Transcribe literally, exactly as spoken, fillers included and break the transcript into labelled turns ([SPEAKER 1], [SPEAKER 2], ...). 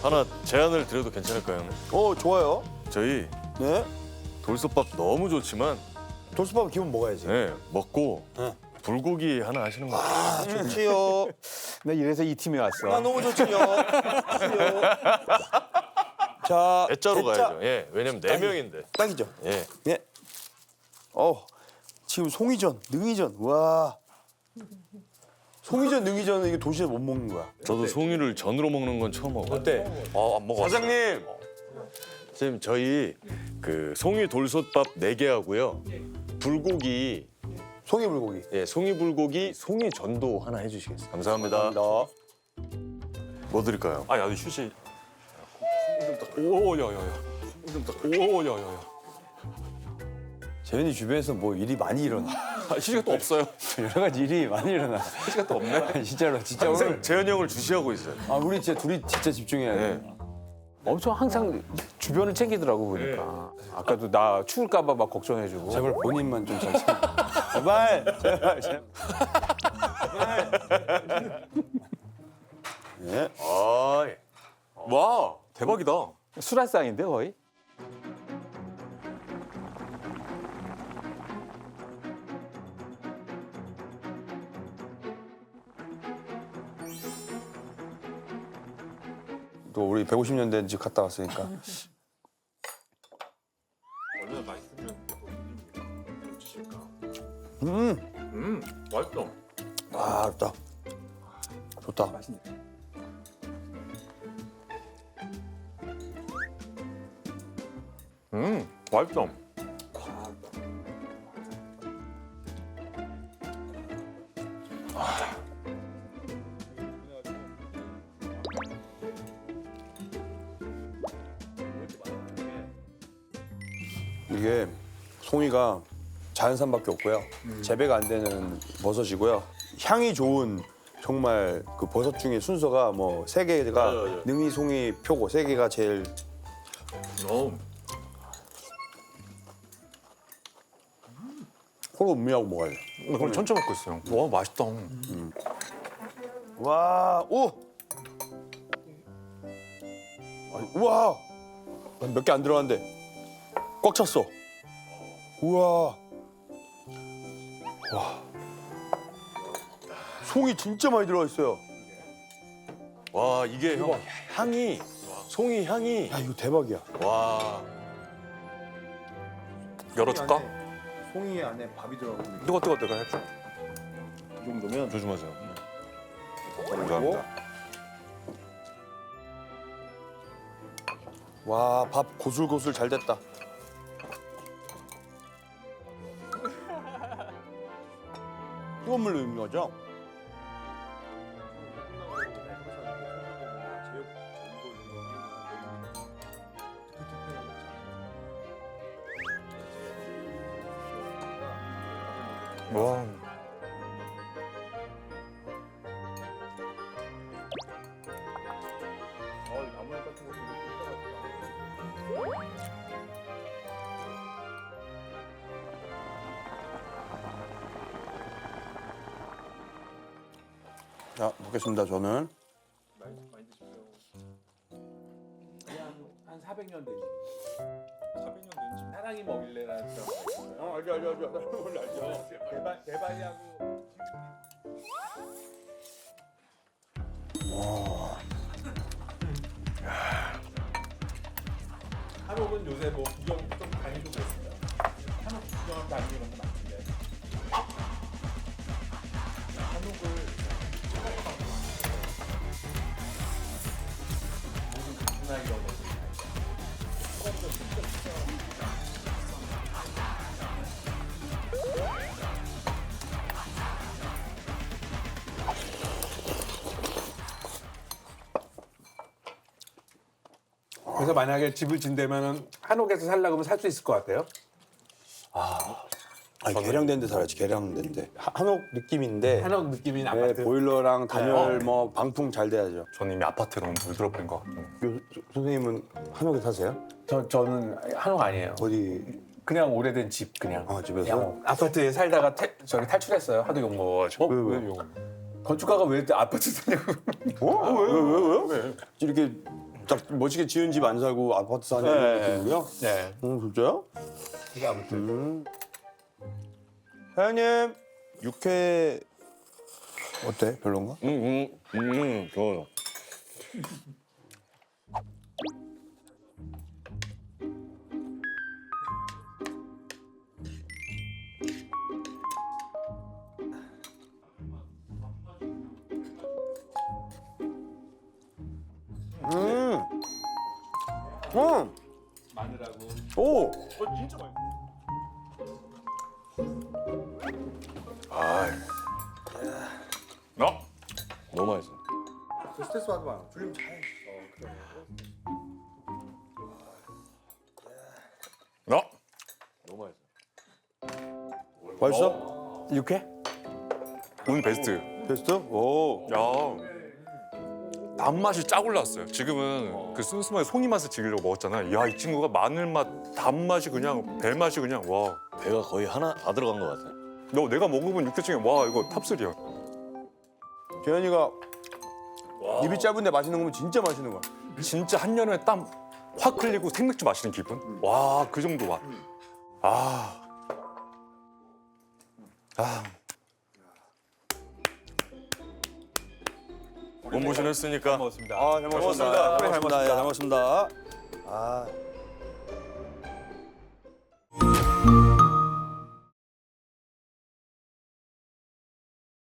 [SPEAKER 1] 하나 제안을 드려도 괜찮을까요, 형님?
[SPEAKER 2] 어 좋아요.
[SPEAKER 1] 저희
[SPEAKER 2] 네.
[SPEAKER 1] 돌솥밥 너무 좋지만
[SPEAKER 2] 돌솥밥 기본 먹어야지.
[SPEAKER 1] 네, 먹고
[SPEAKER 2] 네.
[SPEAKER 1] 불고기 하나 하시는 거 어때요?
[SPEAKER 2] 아 좋지요.
[SPEAKER 3] 나 이래서 이 팀에 왔어.
[SPEAKER 2] 아 너무 좋지요. 좋지요. 자
[SPEAKER 1] 대짜로
[SPEAKER 2] 대짜.
[SPEAKER 1] 가야죠. 예, 왜냐면 네
[SPEAKER 2] 딱이-
[SPEAKER 1] 명인데.
[SPEAKER 2] 딱이죠.
[SPEAKER 1] 예.
[SPEAKER 2] 예. 어 지금 송이전, 능이전. 와. 송이전, 능이전은 이게 도시에서 못 먹는 거야.
[SPEAKER 1] 저도 송이를 전으로 먹는 건 처음 먹어요.
[SPEAKER 2] 어때?
[SPEAKER 1] 어, 안 먹었어요.
[SPEAKER 2] 사장님.
[SPEAKER 1] 선생님, 저희 그 송이 돌솥밥 네 개 하고요. 불고기,
[SPEAKER 2] 송이 불고기.
[SPEAKER 1] 예, 송이 불고기, 송이 전도 하나 해주시겠어요? 감사합니다.
[SPEAKER 2] 감사합니다.
[SPEAKER 1] 뭐 드릴까요?
[SPEAKER 4] 아, 야도 휴지. 오, 야야야. 오, 야야야.
[SPEAKER 2] 재현이 주변에서 뭐 일이 많이 일어나.
[SPEAKER 4] 아, 휴지가 또 없어요.
[SPEAKER 2] 여러 가지 일이 많이 일어나.
[SPEAKER 4] 휴지가 또 없네.
[SPEAKER 2] 진짜로 진짜
[SPEAKER 1] 항상
[SPEAKER 2] 오늘.
[SPEAKER 1] 재현이 형을 주시하고 있어요.
[SPEAKER 2] 아 우리 진짜 둘이 진짜 집중해야 돼.
[SPEAKER 1] 네.
[SPEAKER 3] 엄청 항상 주변을 챙기더라고 보니까. 아까도 나 추울까봐 막 걱정해주고.
[SPEAKER 2] 제발 본인만 좀 잘 챙겨. 제발, 제발, 제발. 예.
[SPEAKER 1] 아, 예.
[SPEAKER 4] 와, 대박이다.
[SPEAKER 3] 수라상인데 거의?
[SPEAKER 2] 또 우리 백오십 년 된 집 갔다 왔으니까.
[SPEAKER 4] 얼마나 맛있으면 주실까?
[SPEAKER 2] 음,
[SPEAKER 4] 음, 맛있어.
[SPEAKER 2] 아, 좋다. 좋다.
[SPEAKER 4] 음, 맛있어.
[SPEAKER 2] 이게 송이가 자연산밖에 없고요. 재배가 안 되는 버섯이고요. 향이 좋은 정말 그 버섯 중에 순서가 뭐 세 개가
[SPEAKER 1] 맞아요, 맞아요.
[SPEAKER 2] 능이, 송이, 표고 세 개가 제일
[SPEAKER 4] 어,
[SPEAKER 2] 코로 음미하고 먹어야 돼.
[SPEAKER 4] 그럼 천천히 먹고 있어요. 와, 맛있다.
[SPEAKER 2] 와, 오! 아니, 우와! 몇 개 안 들어갔는데 꽉 찼어. 우와. 와. 송이 진짜 많이 들어가 있어요.
[SPEAKER 1] 와, 이게 형 향이, 송이 향이.
[SPEAKER 2] 야, 이거 대박이야.
[SPEAKER 1] 와,
[SPEAKER 4] 열어줄까?
[SPEAKER 2] 송이 안에 밥이 들어가고 있는
[SPEAKER 4] 뜨거, 뜨거, 뜨거 해줘.
[SPEAKER 2] 이 정도면
[SPEAKER 1] 조심하세요.
[SPEAKER 2] 감사합니다. 와, 밥 고슬고슬 잘 됐다. 뜨거운 물로 익는 거죠?
[SPEAKER 4] 와.
[SPEAKER 2] 자, 먹겠습니다, 저는.
[SPEAKER 3] 한 사백 년 된 집. 사백 년 된 집. 사랑이 먹일래라는 드라마가 있어요.
[SPEAKER 2] 어, 알죠, 알죠, 알죠. 원래 알죠.
[SPEAKER 3] 대바, 대바이하고 한옥은 요새 뭐 구경 좀 다니고 그랬어요. 한옥 구경 다니는 건 맞는데 한옥을 모든 기술나 이런 것들 그래서 만약에 집을 진다면은 한옥에서 살려고 하면 살 수 있을 것 같아요?
[SPEAKER 2] 아니, 개량된 데 살아야지, 개량된 데. 하- 한옥 느낌인데.
[SPEAKER 3] 한옥 느낌인
[SPEAKER 2] 네,
[SPEAKER 3] 아파트.
[SPEAKER 2] 보일러랑 단열, 뭐 방풍 잘 돼야죠.
[SPEAKER 4] 저는 이미 아파트에 너무 물들어 버린 것 같고.
[SPEAKER 2] 요- 선생님은 한옥에 사세요?
[SPEAKER 3] 저 저는 한옥 아니에요.
[SPEAKER 2] 어디?
[SPEAKER 3] 그냥 오래된 집 그냥.
[SPEAKER 2] 아, 집에서?
[SPEAKER 3] 그냥 아파트에 살다가 탈, 저기 탈출했어요. 하도 욕 먹어가지고.
[SPEAKER 2] 왜, 왜?
[SPEAKER 3] 건축가가 왜 아파트 사냐고.
[SPEAKER 2] 어? 왜, 왜, 왜, 왜? 이렇게 딱 멋지게 지은 집 안 살고 아파트 사는 느낌이고요.
[SPEAKER 3] 네.
[SPEAKER 2] 음, 진짜요?
[SPEAKER 3] 이게 아무튼
[SPEAKER 2] 음. 사장님 육회 어때? 별론가?
[SPEAKER 1] 음, 음, 음, 좋아요.
[SPEAKER 2] 음. 음. 마늘하고. 오.
[SPEAKER 1] 아,
[SPEAKER 4] 어?
[SPEAKER 1] 너무 맛있어.
[SPEAKER 2] 스트레스 받지 마. 줄임 잘.
[SPEAKER 4] 어?
[SPEAKER 1] 너무 맛있어.
[SPEAKER 2] 맛있어?
[SPEAKER 3] 육회?
[SPEAKER 4] 오늘 베스트.
[SPEAKER 2] 베스트? 오.
[SPEAKER 4] 야. 단맛이 쫙 올라왔어요. 지금은 그 슴슴하게 송이 맛을 즐기려고 먹었잖아. 야, 이 친구가 마늘 맛, 단맛이 그냥 배 맛이 그냥 와.
[SPEAKER 1] 배가 거의 하나 다 들어간 것 같아.
[SPEAKER 4] 너 내가 먹어본 육회 중에 와 이거 탑쓰리야.
[SPEAKER 2] 재현이가 입이 짧은데 맛있는 거면 진짜 맛있는 거야.
[SPEAKER 4] 진짜 한여름에 땀 확 흘리고 생맥주 마시는 기분? 와, 그 정도 맛. 아. 아.
[SPEAKER 1] 몸보신 했으니까
[SPEAKER 3] 먹었습니다.
[SPEAKER 2] 아, 잘 먹었습니다.
[SPEAKER 1] 먹었습니다.
[SPEAKER 2] 잘 먹었습니다. 잘 먹었습니다. 아.